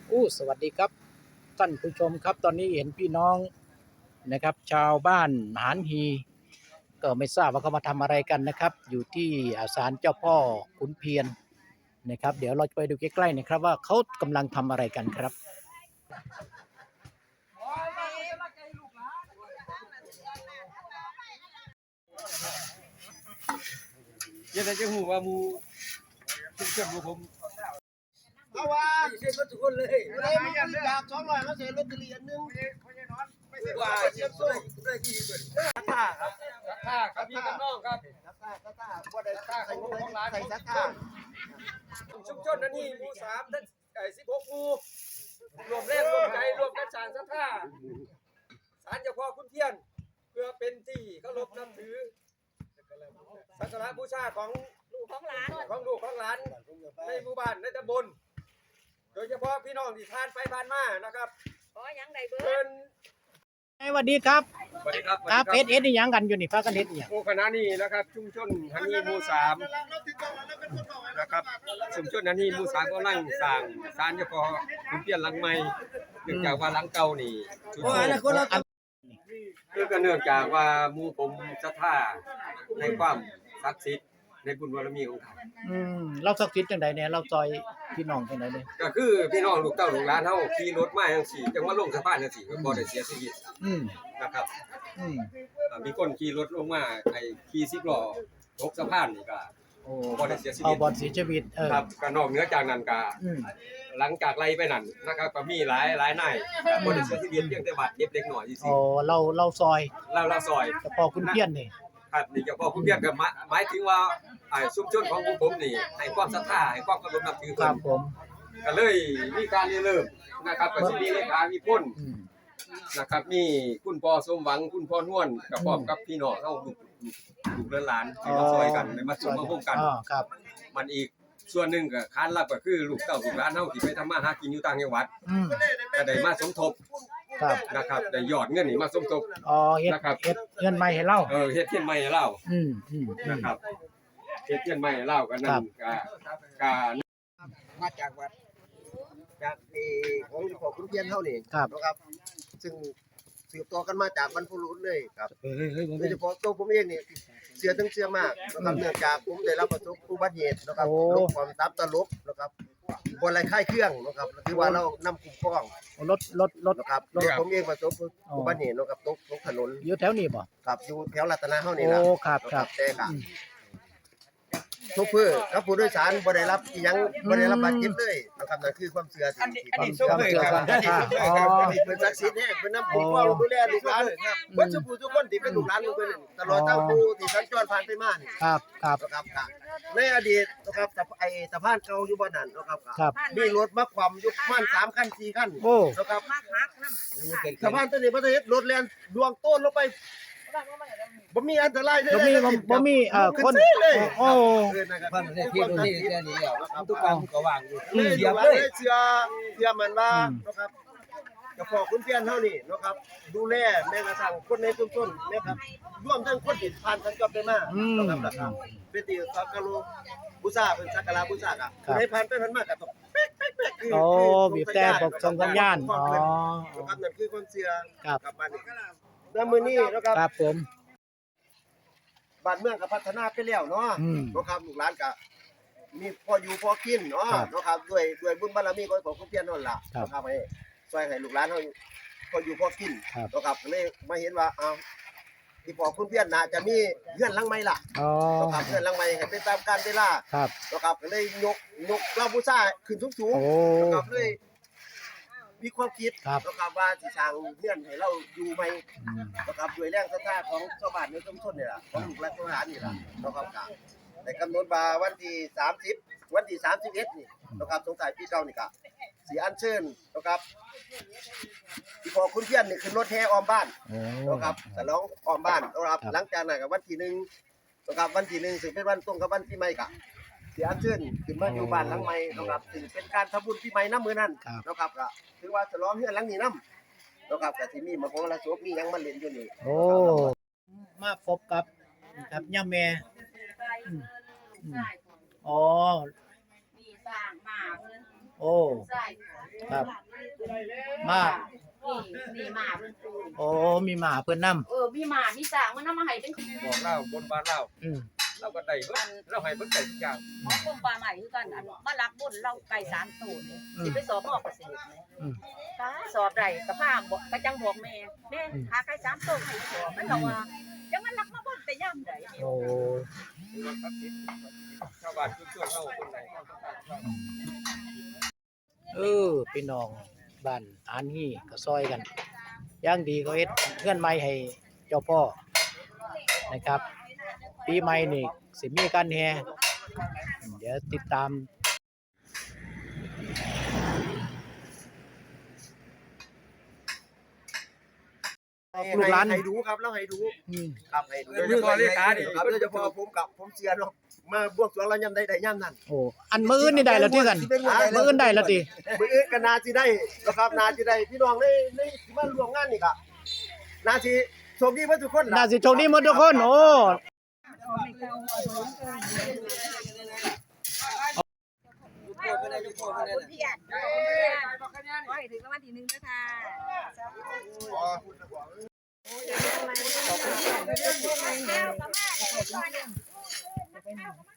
สวัสดีครับท่านผู้ชมครับตอนนี้เห็นพี่น้องนะครับชาวบ้านหานฮีก็ไม่ทราบว่าเขามาทำอะไรกันนะครับอยู่ที่ศาลเจ้าพ่อขุนเพียรนะครับเดี๋ยวเราไปดูใกล้ๆนะครับว่าเขากำลังทำอะไรกันครับยังไงจะหูว่ามูเชื่อมมูผมเพราะว่าเสียรถทุกคนเลยไม่อยากจาก200เขาเสียรถตะเลียนนึงว่าเสียโซ่ได้กี่เบิดท่าครับท่าครับพี่กับน้องครับท่าบ่ได้ท่าใส่ของร้านใส่ท่าชุมชนนั้นนี่หมู่3ทั้ง16หมู่รวมแรงรวมใจรวมกันสร้างศรัทธาศาลเจ้าพ่อขุนเทียนเพื่อเป็นที่เคารพนับถือสักการะบูชาของลูกของหลานในหมู่บ้านในตำบลโดยเฉพาะพี่น้องที่ผ่านไปผ่านมานะครับขอยังได้เบิดสวัสดีครับสวัสดีครับครับเอ็ดนี่ยังกันอยู่นี่ฟ้ากันเอ็ดนี่หมู่คณะนี้นะครับชุมชนฮันนี่หมู่3นะครับชุมชนฮันนี่หมู่3ก็นั่งสร้างศาลเจ้าพ่อขุนเทียนหลังใหม่เนื่องจากว่าหลังเก่านี่ชุมชนก็เนื่องจากว่าหมู่ผมศรัทธาในความศักดิ์สิทธิ์ในบุญบารมีของท่านเราสักทิศจังใดเนี่ยเราซอยพี่น้องจังใดเนี่ยก็คือพี่น้องลูกเต้าลูกหลานเฮาขี่รถมาจังซี่จังว่าลงสะพานจังซี่ก็บ่ได้เสียชีวิตนะครับมีคนขี่รถลงมาไอ้ขี่10ล้อตกสะพานนี่ก็บ่ได้เสียชีวิตบ่เสียชีวิตครับก็นอกเหนือจากนั้นก็หลังจากไล่ไปนั่นนะครับก็มีหลายนายบ่ได้เสียชีวิตเพียงแต่บาดเจ็บเล็กน้อยซื่อเราซอยเราซอยเฉพาะคุณเพียรนี่ครับนี่เฉพาะคุณเพียรก็หมายถึงว่าชุมชนของผมนี่ให้ความศรัทธาให้ความเคารพนับถือเพิ่นก็เลยมีการเริ่มนะครับก็สิมีเลขามีพ้นนะครับมีคุณพ่อสมหวังคุณพ่อนวลกับพร้อมกับพี่น้องเฮาลูกหลานที่มาช่วยกันมาร่วมร่วมกันครับมันอีกส่วนหนึ่งก็ค้านรับก็คือลูกเต้าลูกหลานเฮาที่ไปทำมาหากินอยู่ต่างจังหวัดก็ได้มาสมทบนะครับได้ยอดเงินนี่มาสมทบเฮ็ดนะครับเฮ็ดเงินใหม่ให้เราเฮ็ดเทียนใหม่ให้เรานะครับเฮ็ดเทียนใหม่ให้เราก็นั่นก็มาจากวัดจากของพ่อขุนเทียนเฮานี่นะครับซึ่งสืบต่อกันมาจากบรรพบุรุษเลยครับโดยเฉพาะตัวผมเองนี่เชื่อถึงเชื่อมากนะครับเนื่องจากผมได้รับประสบอุบัติเหตุนะครับลบความตับตลบนะครับบ่ไรค่ายเครื่องนะครับคือว่าเรานำคุ้มครองรถนะครับผมเองประสบอุบัติเหตุนะครับตกถนนอยู่แถวนี้บ่ครับอยู่แถวรัตนาเฮานี่ล่ะครับแต่ก็ทุกเพื่อครับผู้โดยสารบ่ได้รับอีหยังบ่ได้รับบาดเจ็บเลยนะครับนั่นคือความเชื่อที่ความเชื่อครับเป็นศักดิ์สิทธิ์แท้เป็นน้ำผู้เฝ้าดูแลลูกหลานเบิดทุกคนที่เป็นลูกหลานของเพิ่นตลอดทั้งผู้ที่สัญจรผ่านไปมานี่ครับในอดีตนะครับสะพานเก่าอยู่บ่นั่นนะครับมีรถมาคว่ำอยู่ประมาณ3คัน4คันนะครับสะพานตัวนี้บ่ได้เฮ็ดรถแล่นดวงต้นลงไปบ่มีอันตรายเลยบ่มีคนพันเนี่ยที่ตรงนี้แค่นี้แล้วทุกการก็วางอยู่เสียบเลยเชื่อมันว่านะครับเจ้าพ่อขุนเทียนเฮานี่นะครับดูแลแม้กระทั่งคนในชุมชนนะครับร่วมทั้งคนที่ผ่านสัญจรไปมานะครับเป็นที่สักการะบูชาเป็นสักการะบูชาอ่ะในผ่านไปผ่านมาก็ต้องเป๊ะบีบแต่บอกส่งสัญญาณนะครับนั่นคือความเชื่อกับบ้านนี้แล้วมื้อนี้นะครับผมบ้านเมืองก็พัฒนาไปแล้วเนาะนะครับลูกหลานก็มีพออยู่พอกินเนาะนะครับด้วยบุญบารมีของขุนเทียนนั่นล่ะนะครับให้ช่วยให้ลูกหลานเฮาพออยู่พอกินนะครับเลยมาเห็นว่าที่พ่อขุนเทียนน่าจะมีเฮือนหลังใหม่ล่ะนะครับเฮือนหลังใหม่ให้เป็นตามกาลเวลานะครับก็เลยยกเหล้าบูชาขึ้นสูงๆนะครับเลยมีความคิดนะครับว่าสิสร้างเฮือนให้เราอยู่ใหม่นะครับด้วยแรงศรัทธาของชาวบ้านในชุมชนนี่ล่ะของลูกหลานทหารนี่ล่ะนะครับได้กำหนดว่าวันที่30วันที่31นี่นะครับสงท้ายปีเก่านี่ก็สิอัญเชิญนะครับที่พ่อขุนเทียนนี่ขึ้นรถแห่อ้อมบ้านนะครับฉลองอ้อมบ้านนะครับหลังจากนั้นก็วันที่1นะครับวันที่1ซึ่งเป็นวันตรงกับวันปีใหม่ก็สิอัญเชิญขึ้นมาอยู่บ้านหลังใหม่นะครับซึ่งเป็นการทำบุญปีใหม่นำมื้อนั้นนะครับก็ถือว่าฉลองเฮือนหลังนี้นำนะครับก็สิมีมโหรสพมีหยังมาเล่นอยู่นี่มาพบกับย่าแม่นี่สร้างมาเพิ่นโอ้ครับมานี่หมาเพิ่นปูโอ้มีหมาเพิ่นนํมีหมามีสร้างมันนำมาให้เป็นบอกเล่าบนบ้านเล่าอืมเราก็ได้เบิดเราให้เบิดได้ทุกอย่างหมอกรมป่าไม้คือกันอันมาลักบุญเราไก่3ตัวนี่สิไปสอบหมอเกษตรนี่อืมถ้าสอบได้ก็พาบอกก็จังบอกแม่หาไก่3ตัวให้สอบมันก็ว่าจังมันลักมาบ่แต่ยามใดโอ้รถทักษิณชาวบ้านชุมชนเราคนไหนก็ต้องการพี่น้องบ้านอันนี้ก็ซอยกันอย่างดีก็เฮ็ดเงื่อนไม้ให้เจ้าพ่อนะครับ ปีใหม่นี่สิมีการแห่เดี๋ยวติดตามลูกหลานให้ดูครับแล้วให้ดูอืมครับให้ดูโดยเฉพาะเลขานี่ครับโดยเฉพาะผมเสียเนาะมาบวกสรวงแล้วยามใดได้ยามนั้นโอ้อันมื้ออื่นนี่ได้แล้วที่กันมื้ออื่นได้แล้วติมื้ออื่นก็น่าสิได้นะครับน่าสิได้พี่น้องในที่มาร่วมงานนี่ก็น่าสิโชคดีเบิดทุกคนล่ะน่าสิโชคดีหมดทุกคนโอ้เพียรขอให้ถึงรางวัลที่1ด้วยค่ะขอบคุณ